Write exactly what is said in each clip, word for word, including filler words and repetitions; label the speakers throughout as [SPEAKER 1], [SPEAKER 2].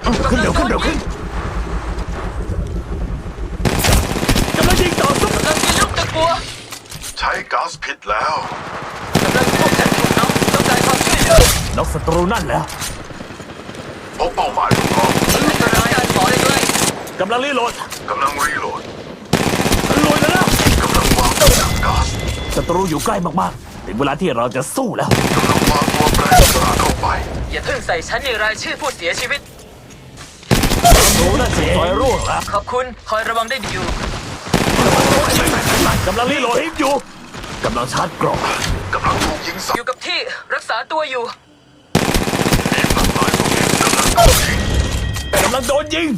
[SPEAKER 1] ขึ้นเร็วขึ้นเร็วขึ้นกำลังยิงต่อสู้
[SPEAKER 2] กำลังมีลูกตะกัว
[SPEAKER 3] ใช้ก๊าซผิดแล้ว
[SPEAKER 2] กำลังพบกันถูกน้องต้องการความช่วยเหลือน
[SPEAKER 1] กศัตรูนั่นแล้ว
[SPEAKER 3] พบเป้าหมายของเรา
[SPEAKER 2] อันตรายการหมอได้ด้วย
[SPEAKER 1] กำลังรีโหลด
[SPEAKER 3] กำลังรีโหลด
[SPEAKER 1] ลุยแล้วนะ
[SPEAKER 3] กำลังวางตัวถังก๊าซ
[SPEAKER 1] ศัตรูอยู่ใกล้มากๆถึงเวลาที่เราจะสู้แล้ว
[SPEAKER 3] กำลังวางตัวแปรสลาเข้าไป
[SPEAKER 2] อย่าเพิ่งใส่ฉันในรายชื่อผู้เสียชีวิต
[SPEAKER 1] ศัตรูนั่นเสียซอยร่วงแล้ว
[SPEAKER 2] ขอบคุณคอยระวังได้ดีอยู่
[SPEAKER 1] กำลังรีโหลดอยู่กำลังชาร์จกรอบ
[SPEAKER 3] กำลังถูกยิงใส่
[SPEAKER 2] อยู่กับที่รักษาตัวอยู่
[SPEAKER 1] กำลังโดนยิง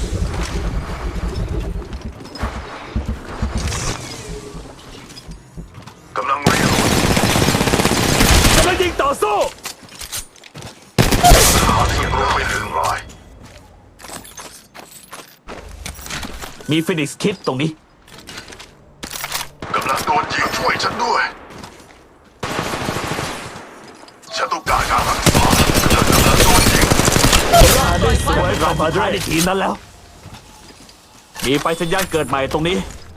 [SPEAKER 3] กำลังรีโหลด
[SPEAKER 1] กำลังยิงต่อสู้
[SPEAKER 3] หาศัตรูไปหนึ่งราย
[SPEAKER 1] มีฟินิกซ์คิดตรงนี้
[SPEAKER 3] กำลังโดนยิงช่วยฉันด้วยฉันต้องการการรักษากำลังโดนยิง
[SPEAKER 1] ได้สวยเรามาได้ในทีมนั้นแล้ว มีไฟสัญญาณเกิดใหม่ตรงนี้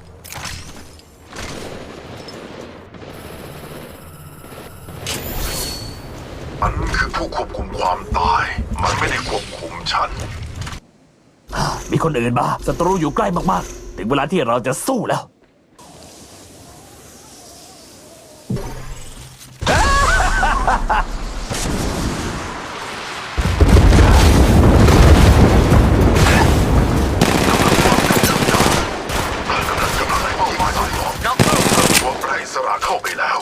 [SPEAKER 3] มันคือผู้ควบคุมความตาย มันไม่ได้ควบคุมฉัน
[SPEAKER 1] มีคนอื่นมาศัตรูอยู่ใกล้มากๆ ถึงเวลาที่เราจะสู้แล้ว
[SPEAKER 3] กำลังกำลังเป้าหมายที่สอง
[SPEAKER 2] น็อกลูก
[SPEAKER 3] ตัวแปรสลาเข้าไปแล้ว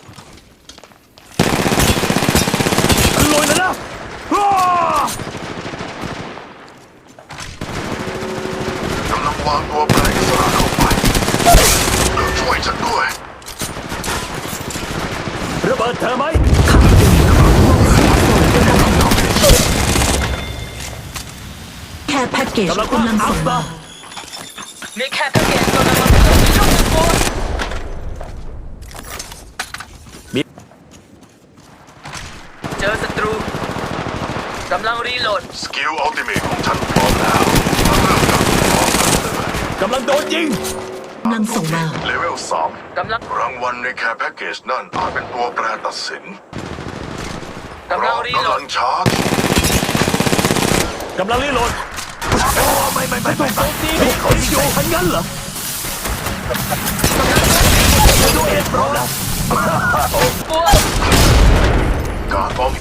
[SPEAKER 1] ลุยแล้วนะอ้าก
[SPEAKER 3] ำลังวางตัวแปรสลาเข้าไปช่วยฉันด้วย
[SPEAKER 1] ระเบิดเธอไหม
[SPEAKER 4] แค่แพ็กเกจ
[SPEAKER 1] กำลัง
[SPEAKER 4] กำลังส่งมา
[SPEAKER 2] มีแค่แพ็กเกจกำลังมาถึงมีลูกตะกัว
[SPEAKER 1] มี
[SPEAKER 2] เจอศัตรูกำลังรีโหลด
[SPEAKER 3] สกิลอัลติเมทของฉันพร้อมแล้วมาเริ่มกับพร้อมกันเลย
[SPEAKER 1] กำลังโดนยิง
[SPEAKER 4] กำลังส่งมา
[SPEAKER 3] เลเวลสาม
[SPEAKER 2] กำลัง
[SPEAKER 3] รางวัลในแคร์แพ็กเกจนั่นอาจเป็นตัวแปรตัดสิน
[SPEAKER 2] กำลังรีโหล
[SPEAKER 3] กำลั
[SPEAKER 2] ด
[SPEAKER 3] งชาร์จ
[SPEAKER 1] กำลังรีโหลดโอ้ไม่ไม่ไม่ไม่ไม่มีคนอยู่ทันงั้นเหรอดูเอ็ดพร้อมแล้ว
[SPEAKER 2] กัว
[SPEAKER 3] การป้อง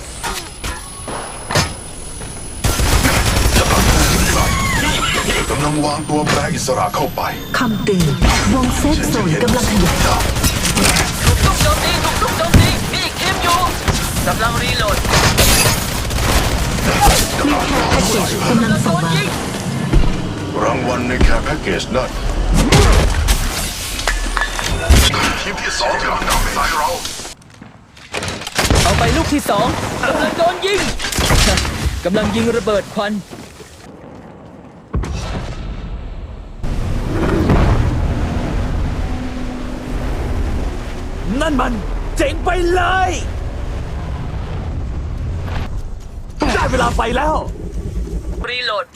[SPEAKER 3] กำลังวางตัวแปรอิสระเข้าไป
[SPEAKER 4] คำเตือนวงเซฟโซนกำลังขยาย
[SPEAKER 2] ถูกลุกโจมตีถูกลุกโจมตีมีอีกทีมอยู่กำลังรีโหลด
[SPEAKER 4] มีแค่แพ็กเกจกำลังส่งมา
[SPEAKER 2] ยิง
[SPEAKER 3] รางวัลในแคร์แพ็กเกจนั่นทีมที่สองกำลังนำใส่เรา
[SPEAKER 2] เอาไปลูกที่สองกำลังโดนยิงกำลังยิงระเบิดควัน
[SPEAKER 1] นั่นมันเจ๋งไปเลยได้เวลาไปแล้ว
[SPEAKER 2] รีโหลด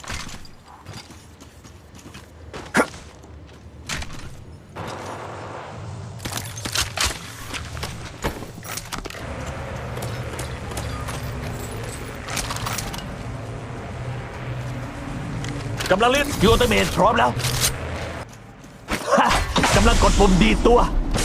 [SPEAKER 1] กำลังเล่นยูอัลติเมทพร้อมแล้วฮะกำลังกดปุ่มดีดตัว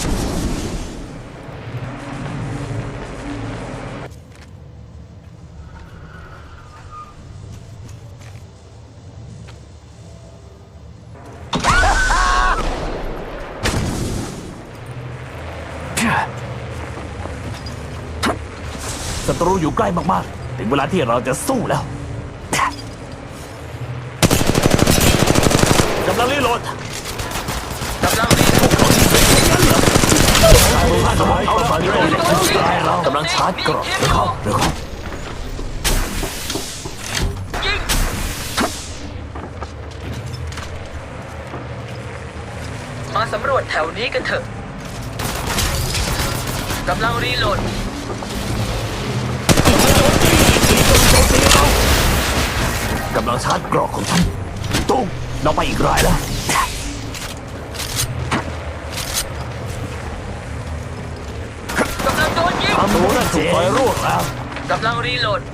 [SPEAKER 1] ศัตรูอยู่ใกล้มากๆ ถึงเวลาที่เราจะสู้แล้ว กำลังรีโหลด
[SPEAKER 2] กำลังรีโหลด
[SPEAKER 1] เอาละฝั่งนี้เรากำลังชาร์จกรอบเร็วเข้าเร็วเข้า
[SPEAKER 2] ยิงมาสำรวจแถวนี้กันเถอะกำลังรีโหลด
[SPEAKER 1] กกำลังชาร์จกรอกของฉันตุ้งเราไปอีกรายแล้ว
[SPEAKER 2] กำลังโดนยิง
[SPEAKER 1] ทำรู้นั่นถูกไฟร่วงแล้ว
[SPEAKER 2] กำลังรีโหลด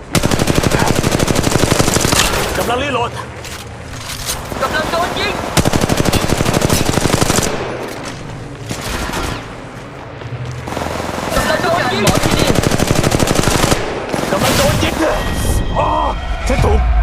[SPEAKER 1] กำลังรีโหลด
[SPEAKER 2] กำลังโดนยิงกำลังโดนยิงหมอที่นี่
[SPEAKER 1] กำลังโดนยิงอ๋อฉันถูก